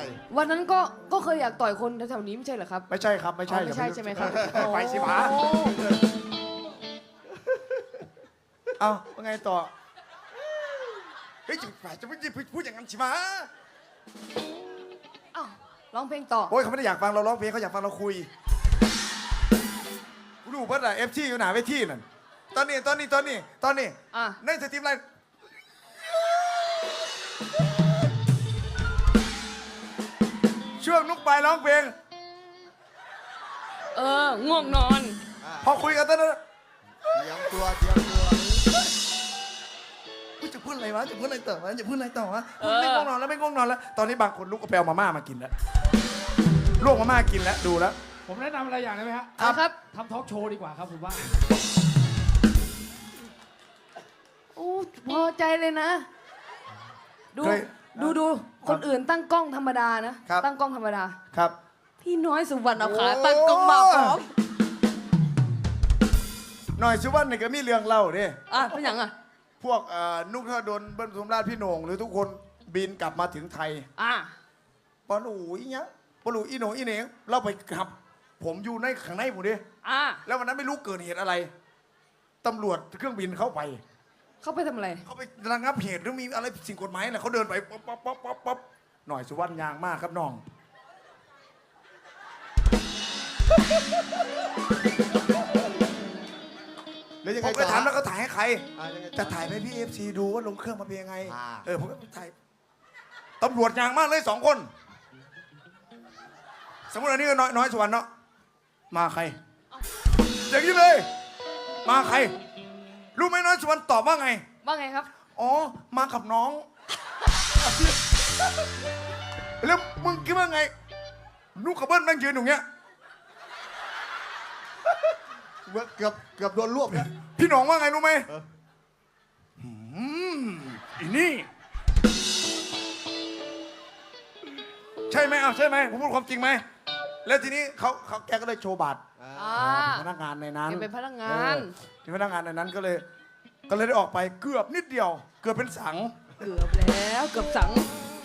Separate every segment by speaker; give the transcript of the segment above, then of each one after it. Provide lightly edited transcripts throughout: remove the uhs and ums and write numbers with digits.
Speaker 1: วันนั้นก็เคยอยากต่อยคนแถวๆนี้ไม่ใช่เหรอครับ
Speaker 2: ไม่ใช่ครับไม่ใช่
Speaker 1: ไม่ใช่ใช่ไหมครับ
Speaker 2: ไปสิหมา
Speaker 1: โอ้
Speaker 2: เอาว่าไงต่อ
Speaker 3: เฮ้ยจะไม่พูดอย่างนั้นสิมา
Speaker 1: อ้าวร้องเพลงต่อ
Speaker 2: โอ้ยเขาไม่ได้อยากฟังเราร้องเพลงเขาอยากฟังเราคุยกูดูเพิ่นอะFTอยู่หนาเวทีนั่นตอนนี้
Speaker 1: อ่ะ
Speaker 2: ในสตรีมไลน์ช่วงนุกไปร้องเพลง
Speaker 1: ง่วงนอน
Speaker 2: พอคุยกันตอนนั้น
Speaker 3: เตรียมตัว
Speaker 2: กูจะพูดอะไรวะจะพูดอะไรต่อวะไม่ง่วงนอนแล้วตอนนี้บางคนลุกก็ไปเอามาม่ามากินแล้วลวกมาม่ากินแล้วดูแล้ว
Speaker 4: ผมแนะนำอะไรอย่างได้ไหมฮะ
Speaker 1: ครับ
Speaker 4: ทำทอล์กโชว์ดีกว่าครับผมว่า
Speaker 1: โอ้พอใจเลยนะ ดู
Speaker 2: เคย
Speaker 1: ดูคนอื่นตั้งกล้องธรรมดานะครับ ตั้งกล้องธรรมดา
Speaker 2: ครับ
Speaker 1: พี่น้อยสุวรรณเอาขาตั้งกล้องมาพร้อม
Speaker 2: หน่อยสุวรรณนี่ก็มีเรื่องเล่าดิ
Speaker 1: เป็นอย่างอ่ะ
Speaker 2: พวกนุกธนดลเบิ้ลปทุมราชพี่โหน่งหรือทุกคนบินกลับมาถึงไทย ปอหนูอีเนี้ยปอหนูอีโหน่งอีเหน่งเราไปขับ ผมอยู่ในข้างในผมดิแล้ววันนั้นไม่รู้เกิดเหตุอะไรตำรวจเครื่องบินเข้าไป
Speaker 1: เข้าไปทำอะไร
Speaker 2: เขาไประงับเหตุหรือมีอะไรสิ่งกฎหมายอะไรเขาเดินไปป๊อปหน่อยสุวรรณยางมากครับน้อง
Speaker 3: แล้วยัง
Speaker 2: ผ
Speaker 3: ไง
Speaker 2: ม
Speaker 3: ต่
Speaker 2: ก็
Speaker 3: อ
Speaker 2: ถามแล้วก็ถ่ายให้ใคร
Speaker 3: ยังไงต่อ
Speaker 2: จะถ่ายให้พี่FC ดูว่าลงเครื่องมาเป็นยังไง
Speaker 3: อ่า
Speaker 2: ผมก็ถ่ายตำรวจยางมากเลย2 คน สมมติอันนี้ก็น้อยสุวรรณเนาะมาใครอย่างนี้เลย มาใครรู้ไหมน้อยสุวรรณตอบว่าไง
Speaker 1: ว่าไงครับ
Speaker 2: อ๋อมากับน้อง แล้วมึงคิดว่าไงนุกกับเบิ้ลนั่งยืนอยู่เงี้ย
Speaker 3: เกือบโดนรวบเนี่ย
Speaker 2: พี่หนองว่าไงรู้ไหม
Speaker 3: เออ
Speaker 2: อีนี่ใช่ไหมเอาใช่ไหมผมพูดความจริงไหมแล้วทีนี้แกก็เลยโชว์บัตร เป็นพนักงานในนั้น
Speaker 1: แกเป็นพนักงาน
Speaker 2: เป็นพนักงานในนั้นก็เลยได้ออกไปเกือบนิดเดียว เกือบเป็นสัง
Speaker 1: เกือบแล้วเกือบสัง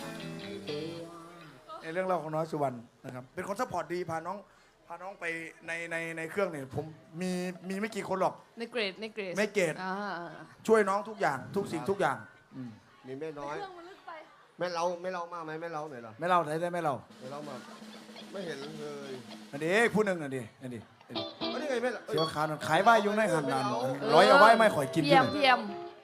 Speaker 2: ในเรื่องเล่าของน้อยสุวรรณนะครับ เป็นคนซัพพอร์ตดีพาน้องไปในเครื่องเนี่ยผมมีไม่กี่คนหรอก
Speaker 1: ในเกรด
Speaker 2: ไม่เกรด ช่วยน้องทุกอย่างทุกสิ่งทุกอย่าง
Speaker 3: มีแม่น้อย
Speaker 1: เครื่องมันลึกไป
Speaker 3: แม่เรามากไหมแม่เราหน่อยเหรอ
Speaker 2: ไม่เล่าไหนได้ไม่เล่า
Speaker 3: แม่เรามาไม่เห็นเลย
Speaker 2: อันนี้ผู้หนึ่งอันนี้อันนี้
Speaker 3: อันนี้ไงแม่
Speaker 2: เสียวขาวนั่นขายใบยุงในหันนานร้อยเอาไว้ไม่ข่อยกิน
Speaker 1: เพียม
Speaker 2: ที่
Speaker 1: เพียม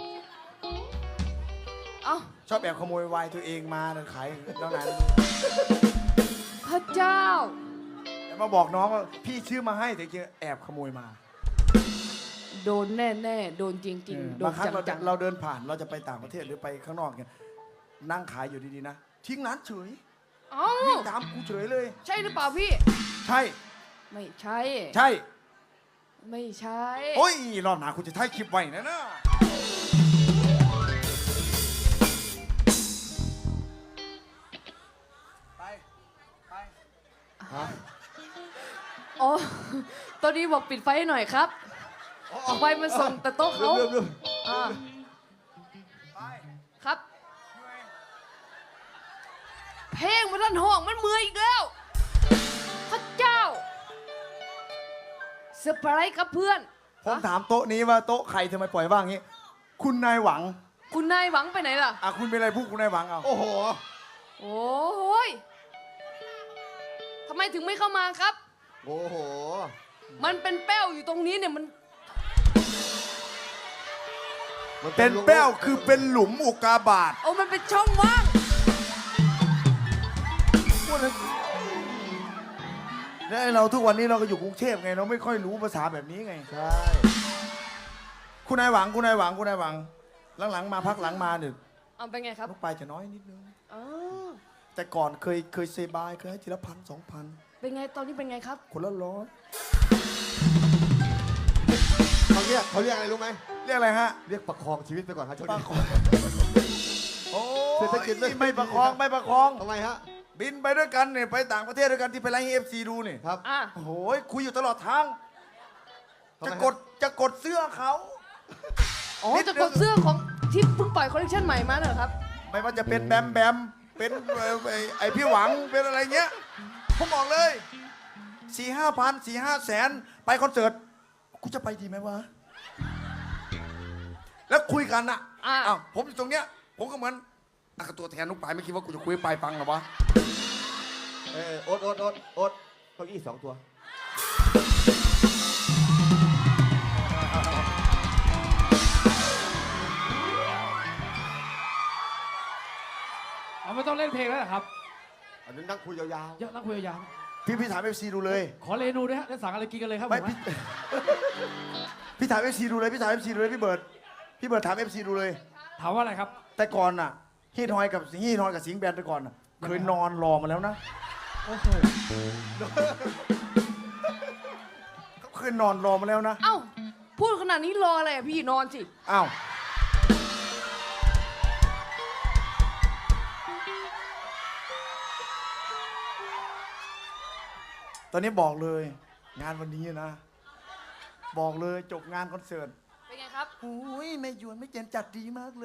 Speaker 1: เอ้า
Speaker 2: ชอบแอบขโมยไวน์ตัวเองมาขายน้องนั้น
Speaker 1: พระเจ้า
Speaker 2: แล้วมาบอกน้องว่าพี่ชื่อมาให้แต่จริงๆแอบขโมยมา
Speaker 1: โดนแน่ๆโดนจริงๆโด
Speaker 2: บาน งครั้ง
Speaker 1: จัง
Speaker 2: เราเดินผ่านเราจะไปต่างประเทศหรือไปข้างนอกเนี่ยนั่งขายอยู่ดีๆนะทิ้งร้านเฉย
Speaker 1: ๆเอ้า
Speaker 2: วิ่งตามกูเฉยเลย
Speaker 1: ใช่หรือเปล่าพี่
Speaker 2: ใช่
Speaker 1: ไม่ใช่
Speaker 2: ใช่
Speaker 1: ไม่ใช่
Speaker 2: โอ้ยรอบหนาคุณจะถ่ายคลิปไว้นะไป
Speaker 1: อ๋อตอนนี้บอกปิดไฟให้หน่อยครับไฟมันส่งแต่โต๊ะเขา
Speaker 3: เริ่ม
Speaker 1: อ่า
Speaker 2: ไป
Speaker 1: ครับ เพลงมันทันห้องมันเมื่อยอีกแล้วพระเจ้าเซอร์ไพรส์ครับเพื่อน
Speaker 2: ผมถามโต๊ะนี้ว่าโต๊ะใครทำไมปล่อยว่างงี้ คุณนายหวัง
Speaker 1: คุณนายหวังไปไหนล่ะ
Speaker 2: คุณเป็นอะไรพูดคุณนายหวังเอา
Speaker 3: โอ้โห
Speaker 1: โอ้ยทำไมถึงไม่เข้ามาครับ
Speaker 3: โอ้โห
Speaker 1: มันเป็นแป้วอยู่ตรงนี้เนี่ยมัน
Speaker 2: เป็นแป้วคือเป็นหลุมอุกกาบาต
Speaker 1: โอ้มันเป็นช่องว่าง
Speaker 2: แล้วเราทุกวันนี้เราก็อยู่กรุงเทพไงเราไม่ค่อยรู้ภาษาแบบนี้ไง
Speaker 3: ใช่
Speaker 2: คุณนายหวังหลังๆมาพักหลังมาเนี่ย
Speaker 1: เอาเป็นไงครับ
Speaker 2: ลูกไปจะน้อยนิดนึง
Speaker 1: อ๋อ
Speaker 2: แต่ก่อนเคยเซบายเคยให้ทีละ1,000 2,000
Speaker 1: เป็นไงตอนนี้เป็นไงครับ
Speaker 2: คนละ100
Speaker 3: เขาเรียกอะไรรู้ไหม
Speaker 2: เรียกอะไรฮะ
Speaker 3: เรียกประคองชีวิตไปก่อนครับช่วง
Speaker 2: ประ
Speaker 3: นี้
Speaker 2: คองโอ้
Speaker 3: เศรษฐกิจ
Speaker 2: ไม่ประคองไม่ประคอง
Speaker 3: ทำไมฮะ
Speaker 2: บินไปด้วยกันเนี่ยไปต่างประเทศด้วยกันที่ไปไลฟ์ให้FC ดูนี่
Speaker 3: ครับ
Speaker 1: อ่ะ
Speaker 2: โอ้โหคุยอยู่ตลอดทาง
Speaker 3: ทำไม
Speaker 2: จะ
Speaker 3: ฮะ
Speaker 2: กดเสื้อเขา
Speaker 1: อ๋อ
Speaker 2: นิดนึง
Speaker 1: จะกดเสื้อของที่เพิ่งปล่อยคอลเลคชันใหม่มาเหรอครับ
Speaker 2: ไม่ว่าจะเป็นแบมเป็นไอพี่หวังเป็นอะไรเงี้ยผมบอกเลย4-5 พัน4-5 แสนไปคอนเสิร์ตกูจะไปดีไหมวะแล้วคุยกันอ่ะอ้าวผมอยู่ตรงเนี้ยผมก็เหมือนกับตัวแทนนุกปายไม่คิดว่ากูจะคุยปายฟังหรอวะ
Speaker 3: โอ๊ตเก้าอี้2 ตัว
Speaker 4: เอาไม่ต้องเล่นเพลงแล้วเหรอครับ
Speaker 3: อันนั้นนั่งคุยยาว
Speaker 4: เยอะนั่งคุยยาว
Speaker 2: พี่ถามFC ดูเลย
Speaker 4: ขอเรนูด้วยฮะได้สั่งอะไรกินกันเลยครับผ
Speaker 2: ไม่
Speaker 4: ม
Speaker 2: พี่ถาม FC ดูเลยพี่ถาม FC ดูเลยพี่เบิร์ดถาม FC ดูเลย
Speaker 4: ถามว่าอะไรครับ
Speaker 2: แต่ก่อนน่ะฮีทอยกับสิงห์แบนแต่ก่อนน่ะเคยนอนรอมาแล้วนะ
Speaker 4: โอ้โห
Speaker 2: เขาเคยนอนรอมาแล้วนะ
Speaker 1: เอ้าพูดขนาดนี้รออะไรอะพี่นอนสิ
Speaker 2: อ้าวตอนนี้บอกเลยงานวันนี้นะ บอกเลยจบงานคอนเสิร์ต
Speaker 1: เป็นไงครับ
Speaker 2: โอ้ยแม่หยวนไม่เจนจัดดีมากเลย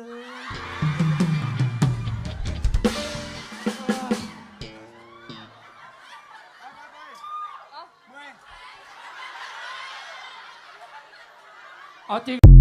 Speaker 4: เอาจริง